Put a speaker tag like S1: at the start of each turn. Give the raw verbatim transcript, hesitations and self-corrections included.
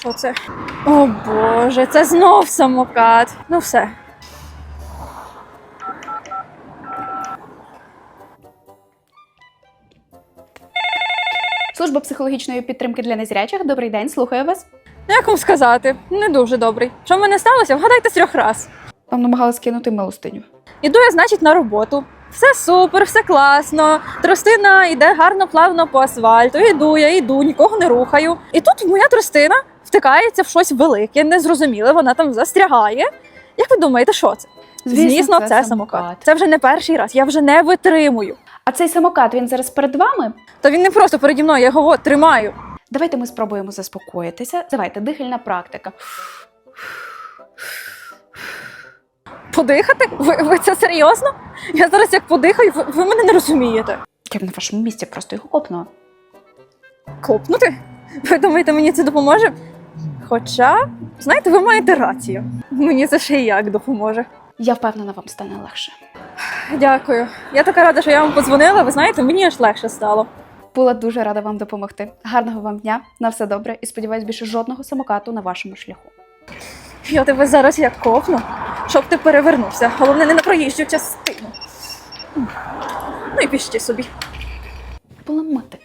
S1: Що це? О боже, це знов самокат. Ну все.
S2: Служба психологічної підтримки для незрячих. Добрий день, слухаю вас.
S1: Як вам сказати? Не дуже добрий. Що в мене сталося? Вгадайте з трьох раз.
S2: Вам намагалась кинути милостиню.
S1: Іду я, значить, на роботу. Все супер, все класно. Тростина йде гарно, плавно по асфальту. Іду я, йду, нікого не рухаю. І тут моя тростина втикається в щось велике, незрозуміле, вона там застрягає. Як ви думаєте, що це?
S2: Звісно,
S1: Звісно,
S2: це
S1: це
S2: самокат.
S1: самокат. Це вже не перший раз, я вже не витримую.
S2: А цей самокат, він зараз перед вами?
S1: Та він не просто переді мною, я його тримаю.
S2: Давайте ми спробуємо заспокоїтися. Давайте, дихальна практика.
S1: Подихати? Ви, ви це серйозно? Я зараз як подихаю, ви, ви мене не розумієте.
S2: Я б на вашому місці просто його копнула.
S1: Копнути? Ви думаєте, мені це допоможе? Хоча, знаєте, ви маєте рацію. Мені це ще й як допоможе.
S2: Я впевнена, вам стане легше.
S1: Дякую. Я така рада, що я вам подзвонила. Ви знаєте, мені аж легше стало.
S2: Була дуже рада вам допомогти. Гарного вам дня, на все добре і сподіваюсь, більше жодного самокату на вашому шляху.
S1: Я тебе зараз як копну, щоб ти перевернувся. Головне, не на проїжджу частину. Ну і пішли собі.
S2: Поламати.